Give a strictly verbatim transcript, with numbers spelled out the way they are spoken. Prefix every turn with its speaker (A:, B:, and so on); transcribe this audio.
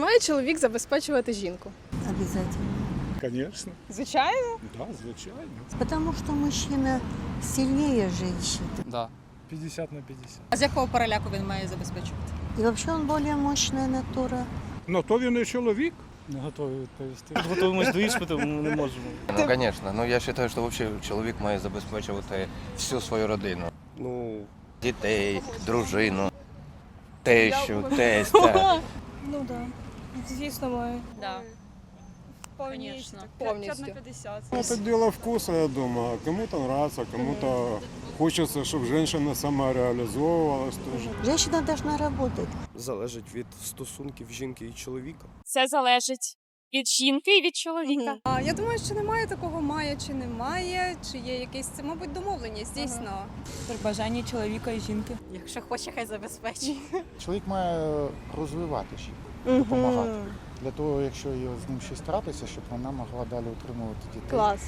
A: має чоловік забезпечувати жінку?
B: Обязательно.
C: Конечно.
A: Звичайно.
C: Да, звичайно.
B: Потому что мужчина сильнее женщины.
D: Да.
C: п'ятдесят на п'ятдесят.
E: А з якого переляку він має забезпечувати?
B: И вообще он более мощная натура.
C: Ну, то він і чоловік.
D: Не готові відповісти. Готуємось до іспиту, ми не можемо.
F: Ну, звісно. Ну, я вважаю, що взагалі чоловік має забезпечувати всю свою родину.
G: Ну,
F: Дітей, дружину, тещу, тестя.
H: Ну да. Звісно, маю.
E: Да.
H: Повністю.
A: Повністю.
I: Это дело вкуса, я думаю. Кому-то нравится, кому-то хочется, чтобы женщина самореализовывалась тоже.
B: Женщина должна работать.
G: залежить від стосунків жінки і чоловіка.
H: Це залежить від жінки і від чоловіка.
A: А я думаю, що немає такого має чи немає, чи є якесь це, мабуть, домовленість, дійсно.
E: При бажанні чоловіка і жінки.
H: Якщо хоче, хай забезпечить.
J: Чоловік має розвивати жінку, допомагати. Для того, якщо є з ним щось трапиться, щоб вона могла далі утримувати дітей.
A: Клас.